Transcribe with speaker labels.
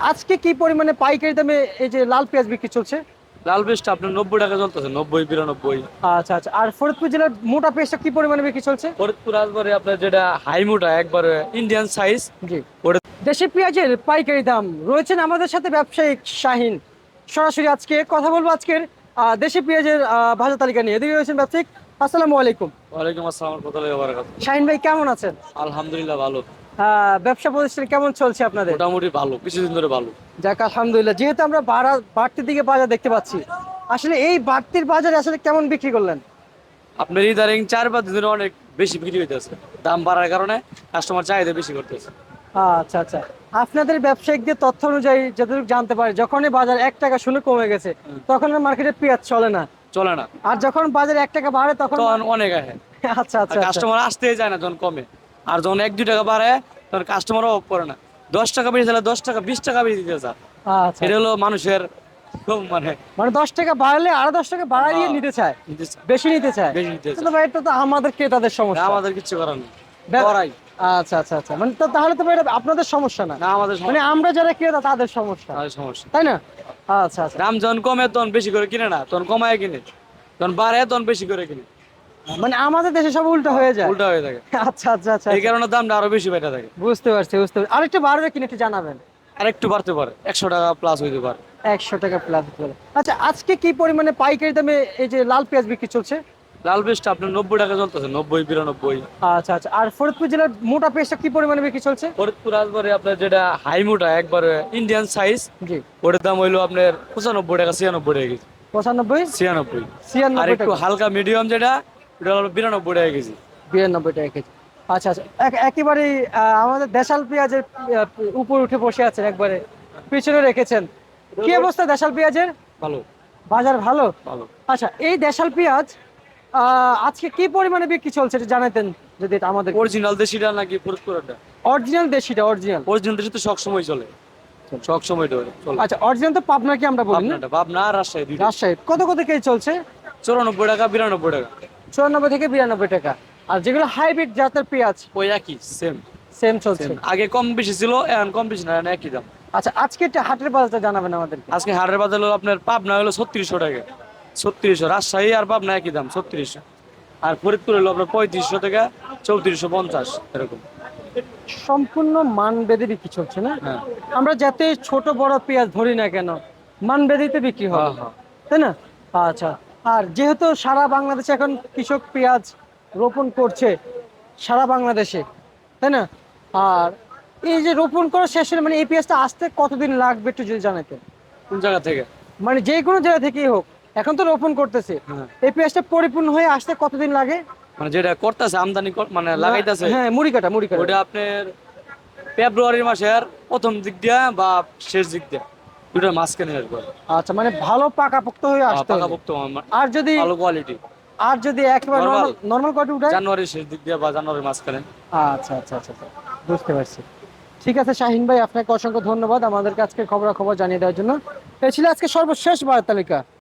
Speaker 1: আজকে কি পরিমাণে পাইকারি দামে এই যে লাল পেঁয়াজ বিক্রি চলছে?
Speaker 2: লাল পেঁয়াজটা আপনার 90 টাকা চলতেছে, 90 92।
Speaker 1: আচ্ছা আচ্ছা, আর ফরিদপুর জেলার মোটা পেঁয়াজটা কি পরিমাণে বিক্রি চলছে?
Speaker 2: ফরিদপুর আসবারে আপনার যেটা হাই মোটা একবারে ইন্ডিয়ান সাইজ
Speaker 1: জি।
Speaker 2: ওটা।
Speaker 1: দেশি পেঁয়াজের পাইকারি দাম রয়েছেন আমাদের সাথে ব্যবসায়িক শাহিন। সরাসরি আজকে কথা বলবো আজকের দেশি পেঁয়াজের বাজার তালিকা নিয়ে। এদিকে রয়েছেন ব্যবসায়িক। আসসালামু আলাইকুম।
Speaker 2: ওয়ালাইকুম আসসালাম রহমতুল্লাহি ওয়া বারাকাতুহু।
Speaker 1: শাহিন ভাই কেমন আছেন?
Speaker 2: আলহামদুলিল্লাহ ভালো,
Speaker 1: ব্যবসা প্রতিষ্ঠান কেমন চলছে আপনাদের?
Speaker 2: মোটামুটি ভালো, কিছুদিন ধরে ভালো।
Speaker 1: যাক আলহামদুলিল্লাহ, যেহেতু আমরা বাড়তির দিকে বাজার দেখতে পাচ্ছি, আসলে এই বাড়তির বাজারে আসলে কেমন বিক্রি করলেন?
Speaker 2: আপনার ইদারিং 4-5 দিন ধরে অনেক বেশি বিক্রি হইতেছে, দাম বাড়ার কারণে কাস্টমার চাহিদা বেশি করতেছে।
Speaker 1: আচ্ছা আচ্ছা, আপনাদের ব্যবসায়িকদের তথ্য অনুযায়ী যতটুকু জানতে পারি, যখনই বাজার 1 টাকা শুনে কমে গেছে তখন আর মার্কেটে পেঁয়াজ চলে না,
Speaker 2: চলে না,
Speaker 1: আর যখন বাজার 1 টাকা বাড়ে তখন
Speaker 2: তখন অনেক আহে।
Speaker 1: আচ্ছা আচ্ছা আচ্ছা।
Speaker 2: কাস্টমার আসতেই যায় না যখন কমে, আর যখন 1-2 টাকা বাড়ে তখন কাস্টমারও অফ করে না। 10 টাকা বেশি দিলে 10 টাকা 20 টাকা বেশি দিতে চায়।
Speaker 1: আচ্ছা
Speaker 2: এটা
Speaker 1: আচ্ছা।
Speaker 2: হলো মানুষের খুব মানে
Speaker 1: মানে 10 টাকা বাড়লে আরো 10 টাকা বাড়াইয়ে নিতে চায়,
Speaker 2: নিতে চায়,
Speaker 1: বেশি নিতে চায়।
Speaker 2: বেশি নিতে
Speaker 1: কিন্তু
Speaker 2: চায়।
Speaker 1: ভাই এটা তো আমাদের ক্রেতাদের
Speaker 2: না,
Speaker 1: সমস্যা।
Speaker 2: আমাদের কিচ্ছু করার নেই,
Speaker 1: ব্য-
Speaker 2: করাই
Speaker 1: আচ্ছা আচ্ছা আচ্ছা, মানে তো তাহলে তো ভাই এটা আপনাদের সমস্যা না,
Speaker 2: না, আমাদের
Speaker 1: মানে
Speaker 2: সমস্যা,
Speaker 1: আমরা যারা ক্রেতা তাদের সমস্যা,
Speaker 2: আমাদের সমস্যা।
Speaker 1: তাই না? আচ্ছা আচ্ছা,
Speaker 2: দাম যখন কমে তখন বেশি করে কিনে না, তখন কমায় কিনে, তখন বাড়ে তখন বেশি করে কিনে।
Speaker 1: মানে আমাদের দেশে সব উল্টো হয়ে যায়।
Speaker 2: উল্টা হয়ে থাকে,
Speaker 1: আচ্ছা আচ্ছা আচ্ছা
Speaker 2: এই
Speaker 1: আচ্ছা।
Speaker 2: কারণে দামটা আরো বেশি বেড়ে থাকে।
Speaker 1: বুঝতে পারছি বুঝতে পারছি, আরেকটু বাড়বে কিনা একটু জানাবেন।
Speaker 2: আর একটু বাড়তে পারে, 100 টাকা প্লাস হইতে পারে।
Speaker 1: 100 টাকা প্লাস হতে পারে। আচ্ছা, আজকে কি পরিমাণে পাইকারি দামে এই যে লাল পেঁয়াজ বিক্রি চলছে?
Speaker 2: লাল পেঁয়াজটা আপনার 90 টাকা চলতেছে, 90 92।
Speaker 1: আচ্ছা আচ্ছা, আর ফরিদপুর জেলার মোটা পেঁয়াজটা কি পরিমাণে বিক্রি চলছে?
Speaker 2: ফরিদপুর আসবারে আপনার যেটা হাই মোটা একবারে ইন্ডিয়ান সাইজ
Speaker 1: জি।
Speaker 2: ওটার দাম হইলো আপনার 95 টাকা 96 টাকা কেজি।
Speaker 1: 95,
Speaker 2: 96। আর
Speaker 1: 96
Speaker 2: একটু
Speaker 1: টাকা,
Speaker 2: হালকা মিডিয়াম যেটা ওটা হলো 92 টাকা কেজি।
Speaker 1: 92 টাকা কেজি। আচ্ছা আচ্ছা, একেবারেই আমাদের দেশাল পেঁয়াজের উপর উঠে বসে আছেন, একবারে পিছনে রেখেছেন। কি অবস্থা দেশাল পেঁয়াজের?
Speaker 2: ভালো,
Speaker 1: বাজার ভালো?
Speaker 2: ভালো।
Speaker 1: আচ্ছা, এই দেশাল পেঁয়াজ আজকে কি পরিমাণে বিক্রি চলছে এটা জানাতেন যদি, এটা আমাদের।
Speaker 2: অরিজিনাল দেশিটা নাকি ফরিদপুরটা?
Speaker 1: অরিজিনাল দেশিটা, অরিজিনাল।
Speaker 2: অরিজিনাল দেশি তো সব সময় চলে, সব সময় চলে।
Speaker 1: আচ্ছা, অরিজিনাল তো পাবনা কি আমরা বলি না?
Speaker 2: পাবনাটা, পাবনা আর রাজশাহী দুইটা।
Speaker 1: রাজশাহী কত কত কেজি চলছে?
Speaker 2: 94 টাকা 92 টাকা।
Speaker 1: 94 থেকে 92 টাকা। আর যেগুলো হাইব্রিড জাতের পেঁয়াজ?
Speaker 2: ওই একই, সেম
Speaker 1: সেম চলছে।
Speaker 2: সেম। আগে কম বেশি ছিল, এখন কম বেশি না, এখন একই দাম।
Speaker 1: আচ্ছা, আজকে একটা হাটের বাজারটা জানাবেন আমাদেরকে।
Speaker 2: আজকে হাটের বাজার হলো আপনার পাবনা হলো 3600 টাকা, 3600। রাজশাহী আর পাবনা একই দাম, 3600। আর ফরিদপুর হলো আপনার 3500 থেকে 3450 এরকম।
Speaker 1: সম্পূর্ণ মানভেদে বিক্রি চলছে না?
Speaker 2: হ্যাঁ
Speaker 1: আমরা যাতে ছোট বড় পেঁয়াজ ধরি না কেন, মানভেদেই বিক্রি হবে,
Speaker 2: হ্যাঁ হ্যাঁ।
Speaker 1: তাই না? আচ্ছা, আর যেহেতু সারা বাংলাদেশে এখন কৃষক পেঁয়াজ রোপণ করছে, সারা বাংলাদেশে, তাই না? আর এই যে রোপণ করা শেষ হলে মানে এই পেঁয়াজটা আসতে কতদিন লাগবে একটু যদি জানাতেন।
Speaker 2: কোন জায়গা থেকে?
Speaker 1: মানে যে কোনো জায়গা থেকেই হোক, এখন তো রোপণ করতেছে,
Speaker 2: হ্যাঁ,
Speaker 1: এই পেঁয়াজটা পরিপূর্ণ হয়ে আসতে কতদিন লাগে?
Speaker 2: মানে যেটা করতেছে আমদানি মানে লাগাইতেছে,
Speaker 1: হ্যাঁ, মুড়ি কাটা মুড়ি কাটা।
Speaker 2: ওটা আপনার ফেব্রুয়ারি মাসের প্রথম দিক দিয়া বা শেষ দিক দিয়া, দুটার মাঝখানে আসবে।
Speaker 1: আচ্ছা, মানে ভালো পাকাপোক্ত হয়ে আসতে হবে।
Speaker 2: পাকাপোক্ত
Speaker 1: আর যদি
Speaker 2: ভালো কোয়ালিটি
Speaker 1: একেবারে
Speaker 2: নরমাল,
Speaker 1: নরমাল নরমাল কোয়ালিটি উঠায়?
Speaker 2: জানুয়ারির শেষ দিক দিয়া বা জানুয়ারির মাঝখানে।
Speaker 1: আচ্ছা আচ্ছা আচ্ছা আচ্ছা, বুঝতে পারছি। ঠিক আছে শাহিন ভাই, আপনাকে অসংখ্য ধন্যবাদ আমাদেরকে আজকে খবরাখবর জানিয়ে দেওয়ার জন্য। এই ছিল আজকে সর্বশেষ বাজার তালিকা।